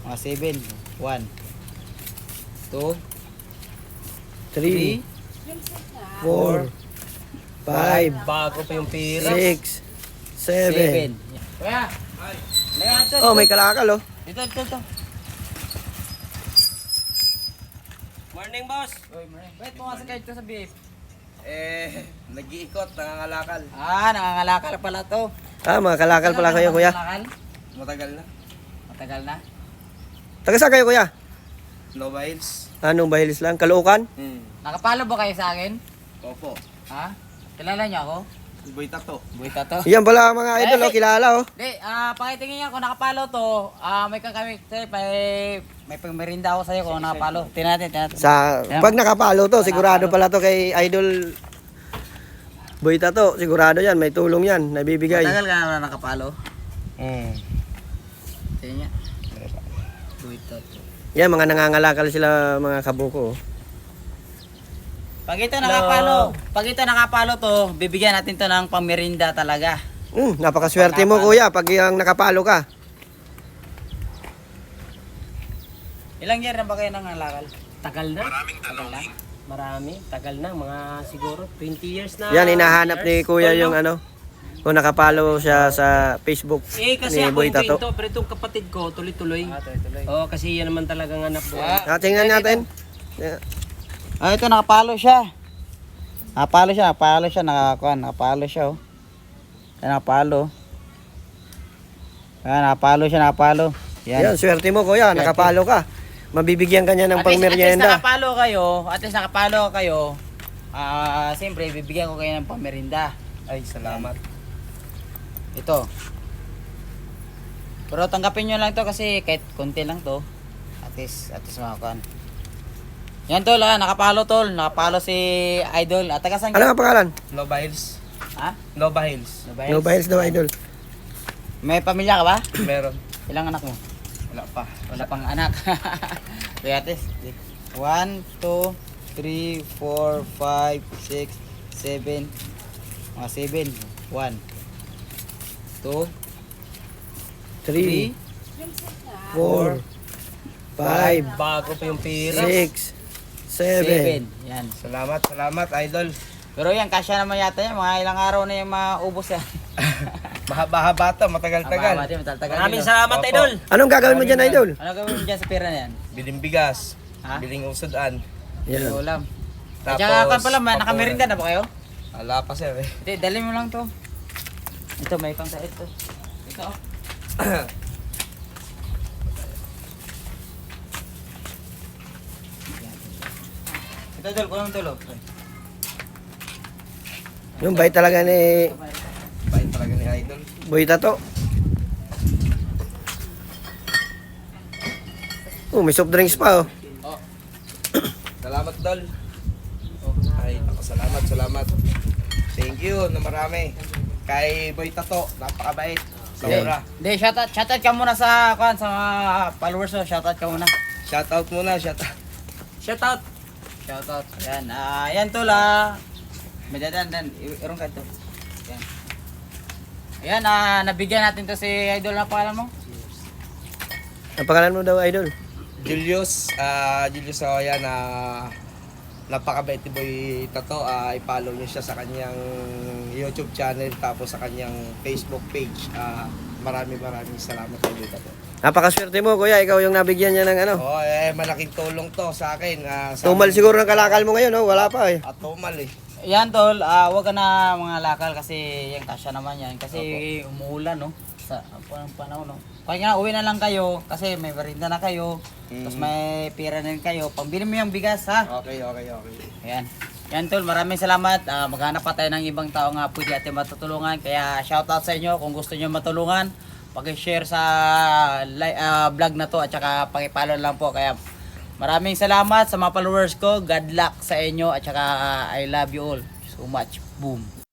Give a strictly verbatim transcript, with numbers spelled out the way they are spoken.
Mga seven. one, two, three, four, five, Bago pa yung pira. six, seven. seven. Kuya! Kuya, ito, Oh, ito. may kalakal oh. Ito, ito, ito. Morning, boss. Uy, Marie. Wait, pumasok kayo ito sa B F. Eh, nag-iikot, nangangalakal. Ah, nangangalakal pala to. Ah, mga kalakal pala kayo kuya. Nangangalakal? Matagal na. Matagal na. Taga saan kayo kuya? Nova Hills. Anong bahilis lang? Kaluukan? Hmm. Nakapalo ba kayo sa akin? Opo. Ha? Kilala niyo ako? Boy Tato. Buita to. Yan pala mga idol oh, kilala oh. Hindi, ah, pakitingin niya kung nakapalo to. Ah, may kakamit, may, may pangmerinda ako sa'yo kung nakapalo. Tingnan natin, tingnan natin. Sa pag nakapalo to, sigurado pala to kay idol Boyta to, sigurado yan, may tulong yan, nabibigay. Matagal ka na nakapalo. Hmm. Tingnan niya. Buita to. Yan, mga nangangalakal sila mga kabuko oh. Pag ito nakapalo, pag ito nakapalo to, bibigyan natin to ng pangmerinda talaga. Mm, napakaswerte mo kuya pag yung nakapalo ka. Ilang year na ba kayo nangangalakal? Tagal na. Tagal na? Marami. Tagal na. Mga siguro twenty years na. Yan, hinahanap ni kuya Tol, yung no? ano, kung nakapalo siya sa Facebook Eh, kasi ni ako Boyta yung to. kwento, pero itong kapatid ko, tuloy-tuloy. Ah, tuloy-tuloy. Oo, kasi yan naman talagang anak buhay. Ah, tingnan natin. Yeah. Ah, ito nakapalo siya. Nakapalo siya, nakapalo siya, nakakuan, nakapalo siya oh. Ayan, nakapalo. Ayan, nakapalo siya, nakapalo. Yan, Yan. swerte mo kuya, nakapalo ka. Mabibigyan ka niya ng At least, at least pangmeryenda. nakapalo kayo, at least nakapalo kayo. Ah, siyempre bibigyan ko kayo ng pamerinda. Ay, salamat. Ito. Pero tanggapin nyo lang to kasi kahit konti lang to. At least, at least makakuan. Yan tol, ah, nakapalo tol, nakapalo si Idol. At taga saan Ano ang pangalan? Nova Hills. Ha? Nova Hills. Nova No Biles daw idol. May pamilya ka ba? Meron. Ilang anak mo? Wala pa. Wala pang anak. Kuyates. one, two, three, four, five, six, seven. Mga seven. one, two, three, three, four, five, Bago pa yung pira. six, seven. seven. Yan. Salamat, salamat, idol. Pero yan, kasya naman yata yan. Mga ilang araw na yung maubos yan. Mahaba-haba to, matagal-tagal. Matagal. Matagal. Maraming salamat, Opo. idol. Anong gagawin mo dyan idol? Ano gawin mo dyan sa pera na yan? Biling bigas. Ha? Biling usudan. Yan. Yung ulam. At Tapos, saka kan pala, may papunan. nakamerinda na ba kayo? Wala pa sir eh. Hindi, dali mo lang to. Ito, may pang sa ito. Ito. oh. Ito, Dol. Kulang tulo. Yung bait talaga ni Bait talaga ni idol. Boyta to. Oh, may soft drinks pa oh. Oh. Salamat, Dol. Ay, ako, salamat, salamat. Thank you na marami. Kay Boy Tato, napakabait. Sobra. Hindi, shoutout. Shoutout ka muna sa, kuan, sa mga followers mo. Shoutout ka muna. Shoutout muna, shoutout. Shout out. Shoutout. Yan. Ah, yan tol ah. May dadan dan. Irong ka to. Yan. Ayan, ah, nabigyan natin to si Idol na pangalan mo. Ang pangalan mo daw idol? Julius, ah Julius Saoya na napakabait ni Boy Tato. Ah, i-follow niyo siya sa kanyang YouTube channel tapos sa kanyang Facebook page. Ah, maraming maraming salamat kay Boy Tato. Napakaswerte mo kuya, ikaw yung nabigyan niya ng ano. Oh, eh malaking tulong to sa akin. Ah, sa Tumal siguro ng kalakal mo ngayon oh, wala pa eh. At tumal eh. Yan tol, ah, wag ka na mga lakal kasi yung kasya naman yan. Kasi umuulan no. Sa panahon panahon no. Kaya nga uwi na lang kayo kasi may merinda na kayo. Mm. Tapos may pira na rin kayo. Pambili mo yung bigas ha. Okay, okay, okay. Ayan. Yan tol, maraming salamat. Uh, maghanap pa tayo ng ibang tao nga pwede natin matutulungan. Kaya shoutout sa inyo kung gusto nyo matulungan. Pag-share sa li- uh, vlog na to at saka pag-follow lang po. Kaya maraming salamat sa mga followers ko. God luck sa inyo at saka uh, I love you all so much. Boom.